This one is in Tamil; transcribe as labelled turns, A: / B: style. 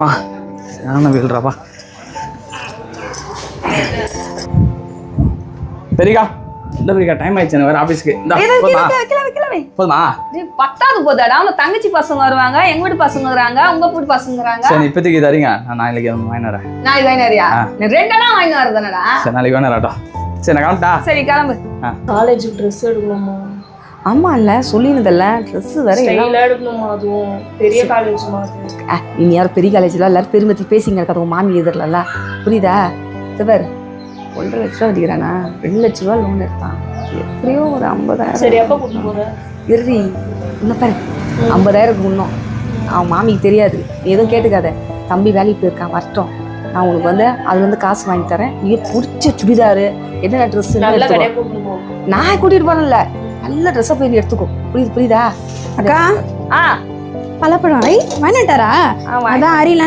A: சரியான வீல்றாப்பா. பெரியக்கா இந்த பெரியக்கா டைம் ஆயிடுச்சு வேற ஆபீஸ்க்கு. போதுமா?
B: பத்தாவது போதாடா. அவங்க தங்கச்சி பசங்க வருவாங்க, எங்க வீட்டு பசங்க வராங்க, உங்க வீட்டு பசங்க வராங்க.
A: சரி இப்போதைக்கு தரீங்க, நான் நாளைக்கு வாங்கி வரேன்.
B: நாளைக்கு வாங்கி வரியா? ரெண்டெல்லாம் வாங்கி வரதானடா.
A: சரி நாளைக்கு வாங்கி வரட்டா. சரி நான் கிளம்பிட்டா.
B: சரி கிளம்பு.
C: காலேஜுக்கு ட்ரெஸ் எடுக்கணுமா?
B: ஆமா இல்ல சொல்லினதல்ல ட்ரெஸ் வேற
C: எல்லாம் எடுக்கணுமா? அதுவும் பெரிய காலேஜ்மா.
B: நீ யாரும் பெரிய காலேஜ்ல எல்லாரும் பெருமத்தி பேசிங்க இருக்காது உங்க மாமி எதிரில புரியுதா? இவர் 1.5 லட்ச ரூபா அடிக்கிறானா, 2 லட்ச ரூபா லோன் எடுத்தான். எப்படியோ ஒரு 50,000.
C: சரி எப்போ கூட்டு போற?
B: இறுதி இன்னும் பாரு 50,000 இன்னும் அவன் மாமிக்கு தெரியாது. எதுவும் கேட்டுக்காத. தம்பி வேலைக்கு போயிருக்கான், வரட்டும். நான் உனக்கு வந்து அதுல இருந்து காசு வாங்கி தரேன். நீ பிடிச்ச சுடிதாரு என்ன ட்ரெஸ் நான் கூட்டிட்டு போனேன்ல, நல்ல ட்ரெஸ்ஸை போய் நீ எடுத்துக்கோ. புரியுதா?
D: அக்கா பழப்பழம் வாங்கிட்டாரா? அதான் அரியல